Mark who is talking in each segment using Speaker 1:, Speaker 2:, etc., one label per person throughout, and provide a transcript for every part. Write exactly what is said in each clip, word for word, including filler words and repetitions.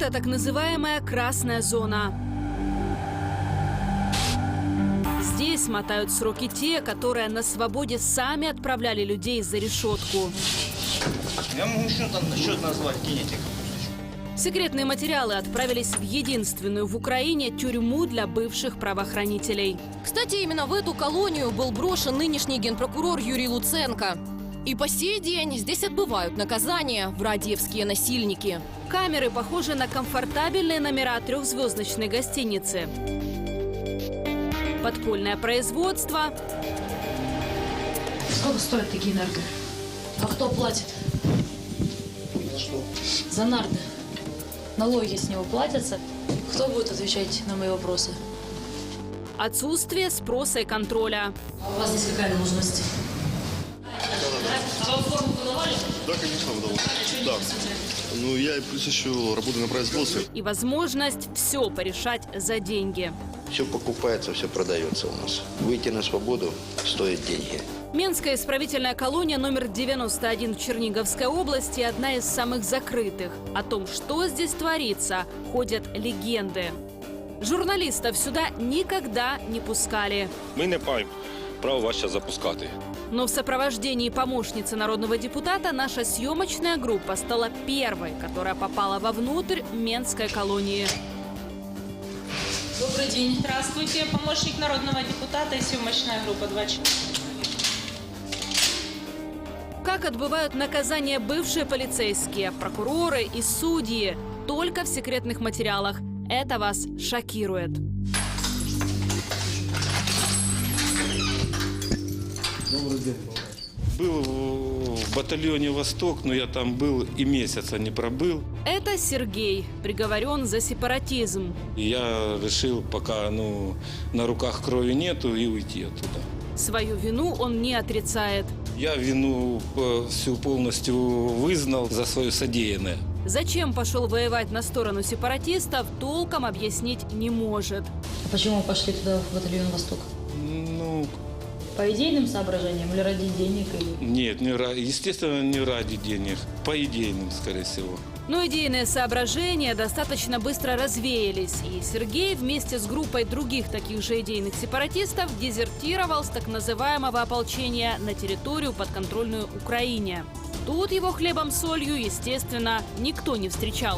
Speaker 1: Это так называемая красная зона. Здесь мотают сроки те, которые на свободе сами отправляли людей за решетку.
Speaker 2: Я могу счет назвать, кинетик.
Speaker 1: Секретные материалы отправились в единственную в Украине тюрьму для бывших правоохранителей.
Speaker 3: Кстати, именно в эту колонию был брошен нынешний генпрокурор Юрий Луценко. И по сей день здесь отбывают наказания врадиевские насильники.
Speaker 1: Камеры похожи на комфортабельные номера трехзвездочной гостиницы. Подпольное производство.
Speaker 4: Сколько стоят такие нарды? А кто платит?
Speaker 2: За что?
Speaker 4: За нарды. Налоги с него платятся. Кто будет отвечать на мои вопросы?
Speaker 1: Отсутствие спроса и контроля.
Speaker 4: А у вас здесь какая должность? А вам форму выдавали?
Speaker 5: Да, конечно, выдавал. Да. Ну, я плюс еще работаю на производстве.
Speaker 1: И возможность все порешать за деньги.
Speaker 6: Все покупается, все продается у нас. Выйти на свободу стоит деньги.
Speaker 1: Менская исправительная колония номер девяносто один в Черниговской области – одна из самых закрытых. О том, что здесь творится, ходят легенды. Журналистов сюда никогда не пускали.
Speaker 7: Ми не маємо права вас зараз запускати.
Speaker 1: Но в сопровождении помощницы народного депутата наша съемочная группа стала первой, которая попала вовнутрь Менской колонии.
Speaker 4: Добрый день.
Speaker 8: Здравствуйте, помощник народного депутата и съемочная группа два четыре.
Speaker 1: Как отбывают наказание бывшие полицейские, прокуроры и судьи? Только в секретных материалах. Это вас шокирует.
Speaker 5: Добрый день.
Speaker 7: Был в батальоне «Восток», но я там был и месяца не пробыл.
Speaker 1: Это Сергей, приговорен за сепаратизм.
Speaker 7: И я решил, пока ну, на руках крови нету, и уйти оттуда.
Speaker 1: Свою вину он не отрицает.
Speaker 7: Я вину э, всю полностью вызнал за свое содеянное.
Speaker 1: Зачем пошел воевать на сторону сепаратистов, толком объяснить не может.
Speaker 4: Почему вы пошли туда, в батальон «Восток»?
Speaker 7: Ну,
Speaker 4: По идейным соображениям или ради денег? Или...
Speaker 7: нет, не ради, естественно, не ради денег. По идейным, скорее всего.
Speaker 1: Но идейные соображения достаточно быстро развеялись, и Сергей вместе с группой других таких же идейных сепаратистов дезертировал с так называемого ополчения на территорию, подконтрольную Украине. Тут его хлебом-солью, естественно, никто не встречал.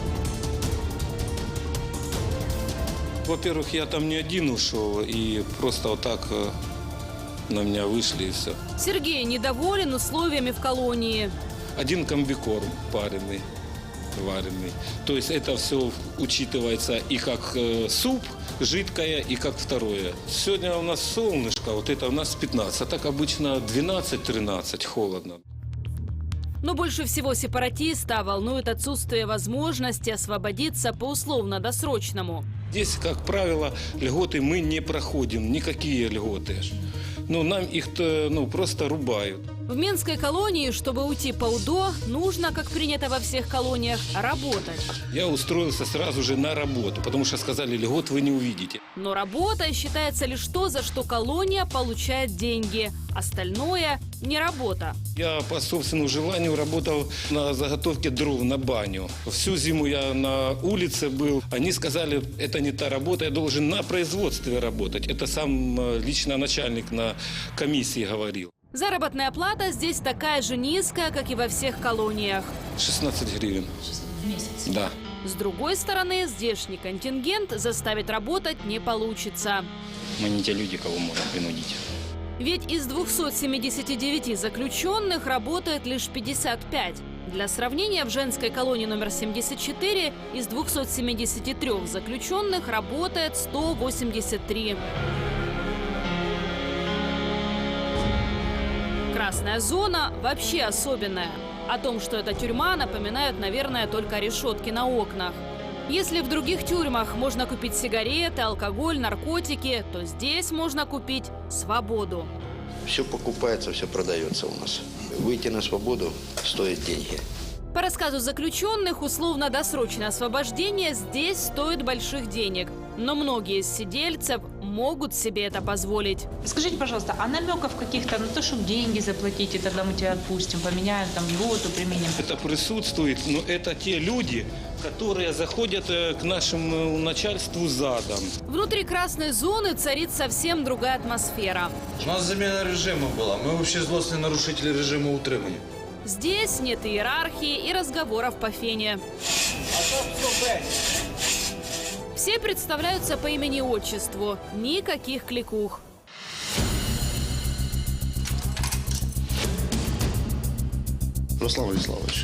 Speaker 7: Во-первых, я там не один ушел, и просто вот так э, на меня вышли, и все.
Speaker 1: Сергей недоволен условиями в колонии.
Speaker 7: Один комбикорм пареный, вареный. То есть это все учитывается и как э, суп, жидкое, и как второе. Сегодня у нас солнышко, вот это у нас пятнадцать, а так обычно двенадцать-тринадцать, холодно.
Speaker 1: Но больше всего сепаратиста волнует отсутствие возможности освободиться по условно-досрочному.
Speaker 7: Здесь, как правило, льготы мы не проходим, никакие льготы. Ну, нам их ну, просто рубают.
Speaker 1: В Менской колонии, чтобы уйти по УДО, нужно, как принято во всех колониях, работать.
Speaker 7: Я устроился сразу же на работу, потому что сказали, льгот вы не увидите.
Speaker 1: Но работа считается лишь то, за что колония получает деньги. Остальное – не работа.
Speaker 7: Я по собственному желанию работал на заготовке дров на баню. Всю зиму я на улице был. Они сказали, это не та работа, я должен на производстве работать. Это сам лично начальник на комиссии говорил.
Speaker 1: Заработная плата здесь такая же низкая, как и во всех колониях.
Speaker 7: шестнадцать гривен.
Speaker 4: В месяц?
Speaker 7: Да.
Speaker 1: С другой стороны, здешний контингент заставить работать не получится.
Speaker 2: Мы не те люди, кого можно принудить.
Speaker 1: Ведь из двухсот семидесяти девяти заключенных работает лишь пятьдесят пять. Для сравнения, в женской колонии номер семьдесят четыре из двухсот семидесяти трёх заключенных работает сто восемьдесят три. Красная зона вообще особенная. О том, что это тюрьма, напоминают, наверное, только решетки на окнах. Если в других тюрьмах можно купить сигареты, алкоголь, наркотики, то здесь можно купить свободу.
Speaker 6: Все покупается, все продается у нас. Выйти на свободу стоит деньги.
Speaker 1: По рассказу заключенных, условно-досрочное освобождение здесь стоит больших денег. Но многие из сидельцев могут себе это позволить.
Speaker 8: Скажите, пожалуйста, а намеков каких-то на то, чтобы деньги заплатить, и тогда мы тебя отпустим, поменяем там льготу, применим?
Speaker 7: Это присутствует, но это те люди, которые заходят э, к нашему начальству задом.
Speaker 1: Внутри красной зоны царит совсем другая атмосфера.
Speaker 9: У нас замена режима была. Мы вообще злостные нарушители режима утримания.
Speaker 1: Здесь нет иерархии и разговоров по фене. Все представляются по имени и отчеству. Никаких кликух.
Speaker 5: Руслан Владиславович.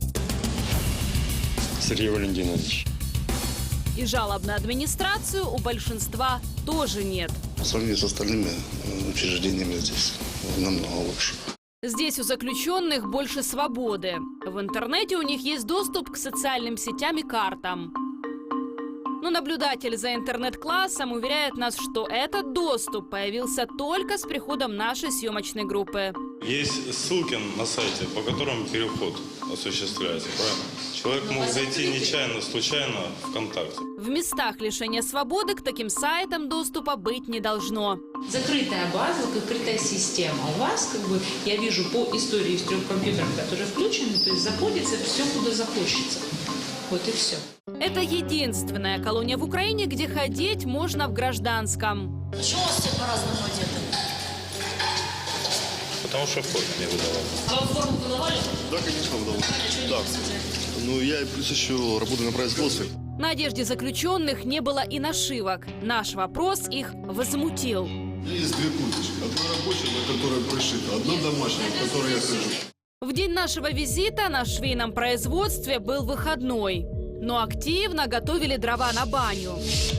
Speaker 10: Сергей Валентинович.
Speaker 1: И жалоб на администрацию у большинства тоже нет.
Speaker 5: По сравнению с остальными учреждениями здесь намного лучше.
Speaker 1: Здесь у заключенных больше свободы. В интернете у них есть доступ к социальным сетям и картам. Но наблюдатель за интернет-классом уверяет нас, что этот доступ появился только с приходом нашей съемочной группы.
Speaker 10: Есть ссылки на сайте, по которым переход осуществляется, правильно? Человек мог зайти нечаянно, случайно ВКонтакте.
Speaker 1: В местах лишения свободы к таким сайтам доступа быть не должно.
Speaker 11: Закрытая база, закрытая система. У вас, как бы, я вижу по истории из трех компьютеров, которые включены, то есть заходится все, куда захочется. Вот и все.
Speaker 1: Это единственная колония в Украине, где ходить можно в гражданском.
Speaker 4: Почему у вас все по-разному одеты?
Speaker 10: Потому что форму не выдавал.
Speaker 4: Вам форму выдавали?
Speaker 5: Да, конечно, выдавал. Да. Ну, я плюс еще работаю на производстве.
Speaker 1: На одежде заключенных не было и нашивок. Наш вопрос их возмутил.
Speaker 5: Есть две курточки. Одна рабочая, на которой прошита. Одна домашняя, в которой я хожу.
Speaker 1: В день нашего визита на швейном производстве был выходной. Но активно готовили дрова на баню.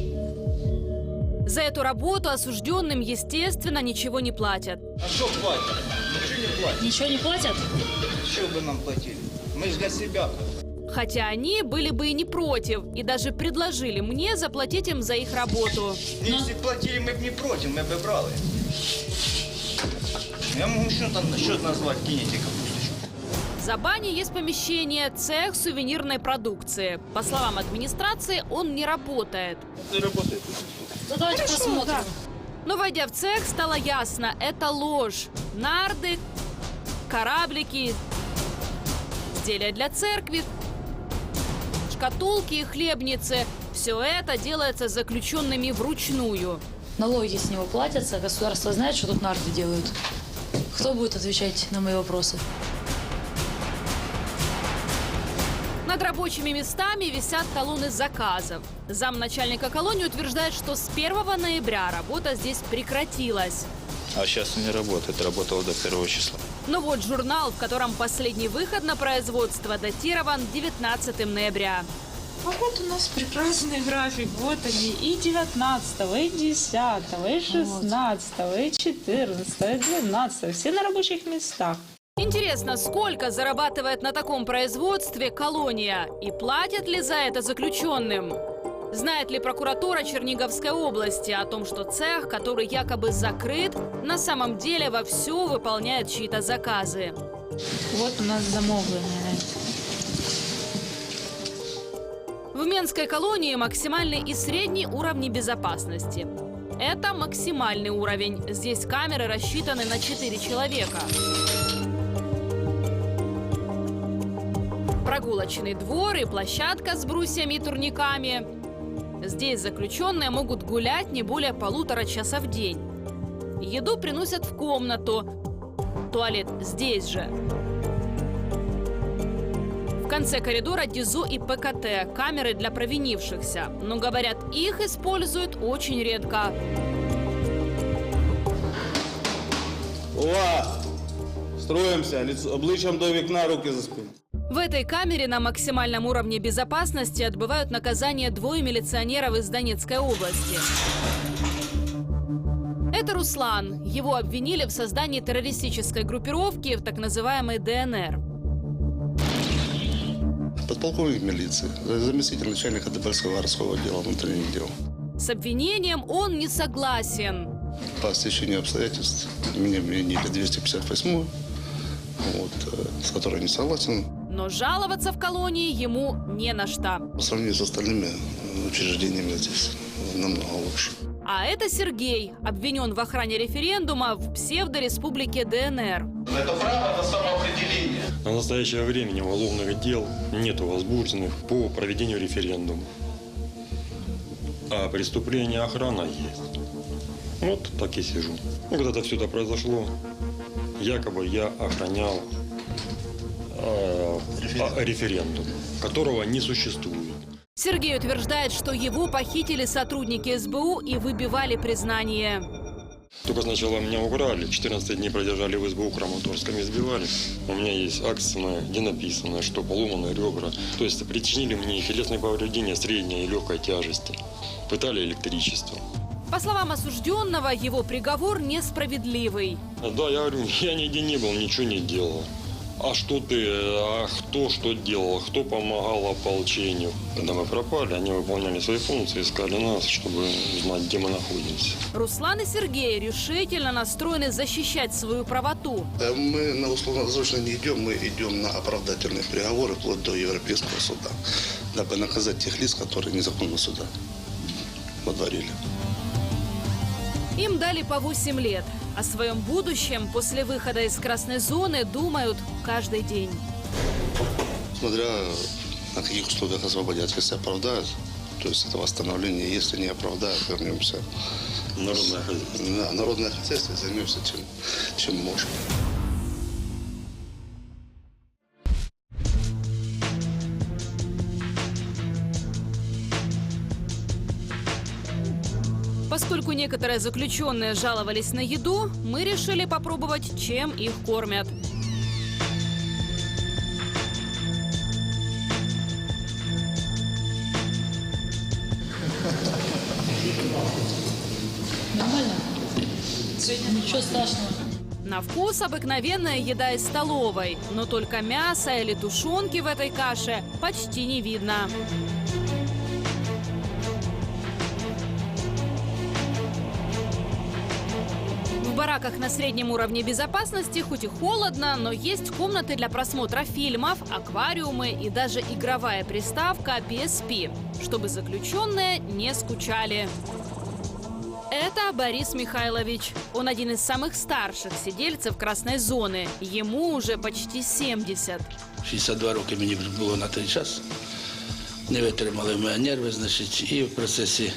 Speaker 1: За эту работу осужденным, естественно, ничего не платят.
Speaker 2: А что платят? Ничего не платят.
Speaker 4: Ничего не платят?
Speaker 2: Что бы нам платили? Мы же для себя.
Speaker 1: Хотя они были бы и не против, и даже предложили мне заплатить им за их работу.
Speaker 2: Если платили, мы бы не против, мы бы брали. Я могу счет, счет назвать, кинете капусточку.
Speaker 1: За баней есть помещение, цех сувенирной продукции. По словам администрации, он не работает.
Speaker 2: Это работает.
Speaker 4: Ну давайте
Speaker 1: Хорошо,
Speaker 4: посмотрим.
Speaker 1: да. Но войдя в цех, стало ясно, это ложь. Нарды, кораблики, изделия для церкви, шкатулки и хлебницы. Все это делается заключенными вручную.
Speaker 4: Налоги с него платятся, государство знает, что тут нарды делают. Кто будет отвечать на мои вопросы?
Speaker 1: Над рабочими местами висят талоны заказов. Замначальника колонии утверждает, что с первого ноября работа здесь прекратилась.
Speaker 9: А сейчас не работает, работала до первого числа.
Speaker 1: Но вот журнал, в котором последний выход на производство, датирован девятнадцатым ноября.
Speaker 8: А вот у нас прекрасный график. Вот они и девятнадцатого, и десятого, и шестнадцатого, и четырнадцатого, и двенадцатого. Все на рабочих местах.
Speaker 1: Интересно, сколько зарабатывает на таком производстве колония? И платят ли за это заключенным? Знает ли прокуратура Черниговской области о том, что цех, который якобы закрыт, на самом деле вовсю выполняет чьи-то заказы?
Speaker 8: Вот у нас замовление.
Speaker 1: В Менской колонии максимальный и средний уровни безопасности. Это максимальный уровень. Здесь камеры рассчитаны на четыре человека. Прогулочный двор и площадка с брусьями и турниками. Здесь заключенные могут гулять не более полутора часа в день. Еду приносят в комнату. Туалет здесь же. В конце коридора ДИЗО и ПКТ, камеры для провинившихся. Но, говорят, их используют очень редко.
Speaker 9: Увага! Строимся, обличчям до вікна, руки за спину.
Speaker 1: В этой камере на максимальном уровне безопасности отбывают наказание двое милиционеров из Донецкой области. Это Руслан. Его обвинили в создании террористической группировки в так называемой ДНР.
Speaker 5: Подполковник милиции, заместитель начальника Дебальского городского отдела внутренних дел.
Speaker 1: С обвинением он не согласен.
Speaker 5: По стечению обстоятельств меня вменили двести пятьдесят восьмую, вот, с которой не согласен.
Speaker 1: Но жаловаться в колонии ему не на что.
Speaker 5: По сравнению с остальными учреждениями здесь намного лучше.
Speaker 1: А это Сергей, обвинен в охране референдума в псевдореспублике ДНР.
Speaker 10: Это право на самоопределение.
Speaker 12: На настоящее время уголовных дел нет возбужденных по проведению референдума. А преступление охрана есть. Вот так и сижу. Ну, когда-то все это произошло, якобы я охранял э, референдум. референдум, которого не существует.
Speaker 1: Сергей утверждает, что его похитили сотрудники СБУ и выбивали признание.
Speaker 12: Только сначала меня украли, четырнадцать дней продержали в СБУ Краматорском, избивали. У меня есть акция, где написано, что поломаны ребра. То есть причинили мне телесные повреждения средней и легкой тяжести. Пытали электричеством.
Speaker 1: По словам осужденного, его приговор несправедливый.
Speaker 12: Да, я говорю, я нигде не был, ничего не делал. А что ты, а кто что делал, кто помогал ополчению? Когда мы пропали, они выполняли свои функции, искали нас, чтобы знать, где мы находимся.
Speaker 1: Руслан и Сергей решительно настроены защищать свою правоту.
Speaker 5: Мы на условно-досрочно не идем, мы идем на оправдательные приговоры вплоть до Европейского суда, дабы наказать тех лиц, которые незаконно сюда водворили.
Speaker 1: Им дали по восемь лет. О своем будущем после выхода из красной зоны думают каждый день.
Speaker 5: Смотря на каких условиях освободят, если оправдают, то есть это восстановление, если не оправдают, вернемся.
Speaker 12: Народное хозяйство.
Speaker 5: Да, народное хозяйство, займемся чем, чем можем.
Speaker 1: Поскольку некоторые заключенные жаловались на еду, мы решили попробовать, чем их кормят.
Speaker 4: Нормально? Ничего страшного.
Speaker 1: На вкус обыкновенная еда из столовой, но только мяса или тушенки в этой каше почти не видно. В бараках на среднем уровне безопасности хоть и холодно, но есть комнаты для просмотра фильмов, аквариумы и даже игровая приставка пи эс пи, чтобы заключенные не скучали. Это Борис Михайлович. Он один из самых старших сидельцев красной зоны. Ему уже почти семьдесят.
Speaker 13: шістдесят два роки мені було на той час. Не витримали в мене нерви, значить, і в процесі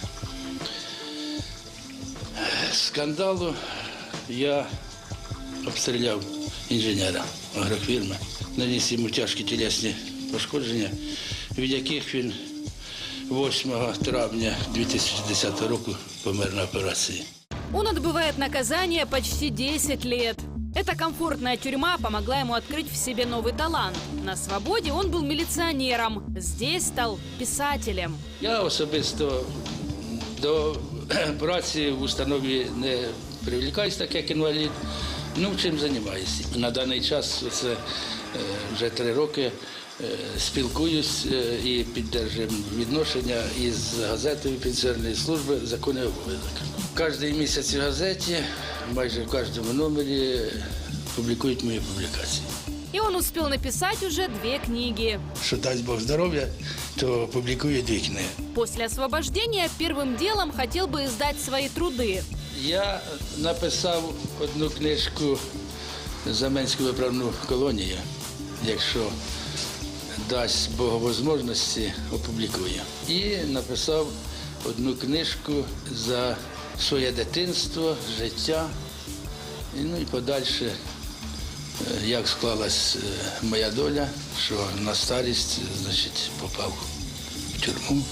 Speaker 13: скандалу я обстріляв інженера агрофірми, наніс йому тяжкі тілесні пошкодження, від яких він восьмого травня дві тисячі десятого року помер на операції.
Speaker 1: Он отбывает наказание почти десять лет. Эта комфортная тюрьма помогла ему открыть в себе новый талант. На свободе он был милиционером, здесь стал писателем.
Speaker 13: Я особисто до праці в установі не привлікаюсь, так як інвалід. Ну, чим займаюся. На даний час це вже три роки спілкуюсь і підтримуємо відношення із газетою Пенсіонерної служби «Законний обов'язок». Кожен місяць в газеті, майже в кожному номері публікують мої публікації.
Speaker 1: И он успел написать уже две книги.
Speaker 13: Що дасть Бог здоров'я, то публікую дві книги.
Speaker 1: После освобождения первым делом хотел бы издать свои труды.
Speaker 13: Я написав одну книжку «Заменську виправну колонію». Якщо дасть Бог можливості, опублікую. І написав одну книжку за своє дитинство, життя, і, ну і подальше, як склалась моя доля, що на старість, значить, попав в тюрму.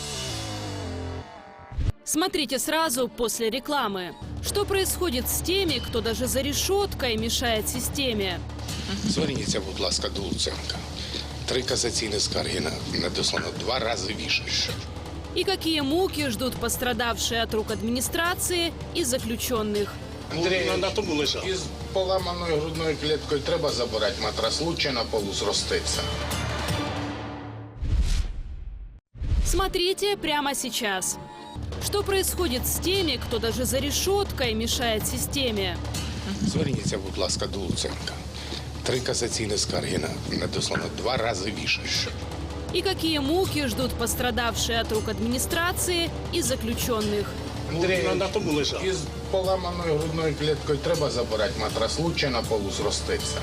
Speaker 1: Смотрите сразу после рекламы. Что происходит с теми, кто даже за решеткой мешает системе?
Speaker 14: Зверніться, будь ласка, до Луценка. Три касаційні скарги надіслано два рази більше.
Speaker 1: И какие муки ждут пострадавшие от рук администрации и заключенных.
Speaker 14: Андрій, із поламаною грудною кліткою треба забирати матрас, лучше на полу зроститься.
Speaker 1: Смотрите прямо сейчас. Что происходит с теми, кто даже за решеткой мешает системе?
Speaker 14: Зверніться, будь ласка, до Луценка. Три касаційні скарги надіслано два рази більше.
Speaker 1: И какие муки ждут пострадавшие от рук администрации и заключенных.
Speaker 14: Андрій, із поламаною грудною кліткою треба забирати матрас, лучше на полу зроститься.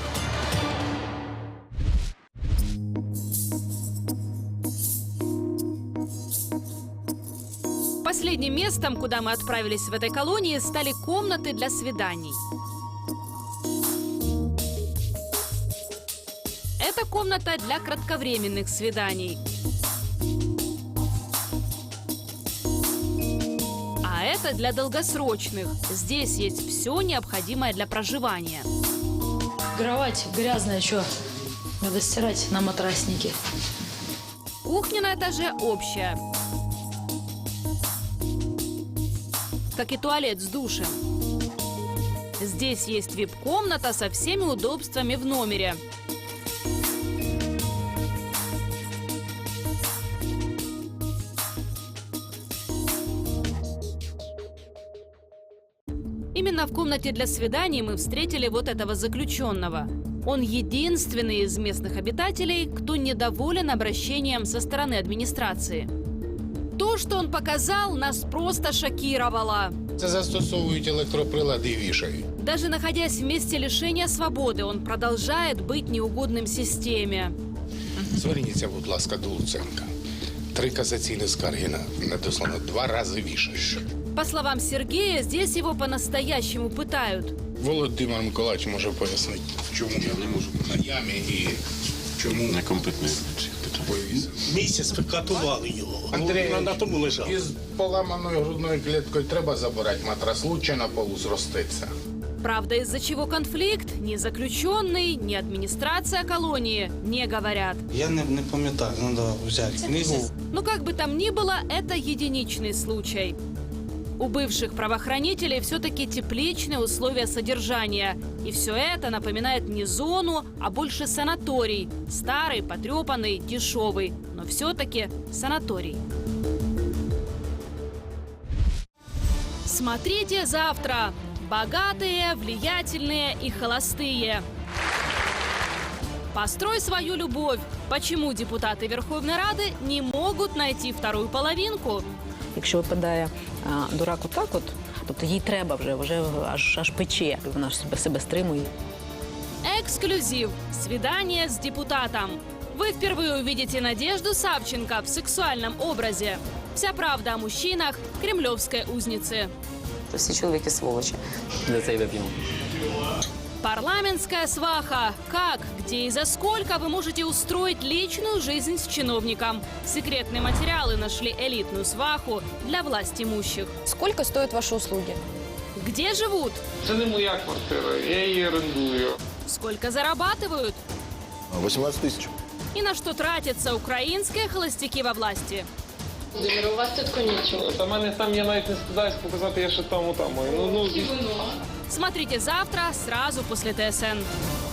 Speaker 1: Последним местом, куда мы отправились в этой колонии, стали комнаты для свиданий. Это комната для кратковременных свиданий. А это для долгосрочных. Здесь есть все необходимое для проживания.
Speaker 4: Кровать грязная, что? Надо стирать на матраснике.
Speaker 1: Кухня на этаже общая. Как и туалет с душем. Здесь есть вип-комната со всеми удобствами в номере. Именно в комнате для свиданий мы встретили вот этого заключенного. Он единственный из местных обитателей, кто недоволен обращением со стороны администрации. То, что он показал, нас просто шокировало.
Speaker 14: Це застосовують електроприлади і вішають.
Speaker 1: Даже находясь в месте лишения свободы, он продолжает быть неугодным системе.
Speaker 14: Зверніться, будь ласка, до Луценка. Три касаційні скарги на- надіслано, два рази вішають.
Speaker 1: По словам Сергея, здесь его по-настоящему пытают.
Speaker 14: Володимир Миколаївич може пояснити, чому я не можу на ямі і чому некомпетентний.
Speaker 15: Місяць катували його.
Speaker 14: Андрій,
Speaker 15: на тому лежав.
Speaker 14: із поламаною грудною кліткою треба забирати матрас, лучше на полу зроститься.
Speaker 1: Правда, из-за чего конфликт, ни заключенный, ни администрация колонии не говорят.
Speaker 2: Я не, не пам'ятаю, треба взяти книгу.
Speaker 1: Но как бы там ни было, это единичный случай. У бывших правоохранителей все-таки тепличные условия содержания. И все это напоминает не зону, а больше санаторий. Старый, потрепанный, дешевый. Но все-таки санаторий. Смотрите завтра. Богатые, влиятельные и холостые. Построй свою любовь. Почему депутаты Верховной Рады не могут найти вторую половинку?
Speaker 16: Якщо випадає а, дурак отак от, тобто їй треба вже, вже аж, аж пече, вона ж себе, себе стримує.
Speaker 1: Эксклюзив. Свидание с депутатом. Вы впервые увидите Надежду Савченко в сексуальном образе. Вся правда о мужчинах кремлевской узницы.
Speaker 17: Всі чоловіки сволочі.
Speaker 18: Для цей вип'ємо.
Speaker 1: Парламентская сваха. Как, где и за сколько вы можете устроить личную жизнь с чиновником? Секретные материалы нашли элитную сваху для власть имущих.
Speaker 3: Сколько стоят ваши услуги?
Speaker 1: Где живут?
Speaker 19: Це не моя квартира, я її орендую.
Speaker 1: Сколько зарабатывают?
Speaker 6: восемнадцать тысяч.
Speaker 1: И на что тратятся украинские холостяки во власти?
Speaker 19: У вас тут нічого. Та мене там, я навіть не стидаюсь показати, я ще там, отам. Ну, ну,
Speaker 1: Смотрите завтра, сразу после ТСН.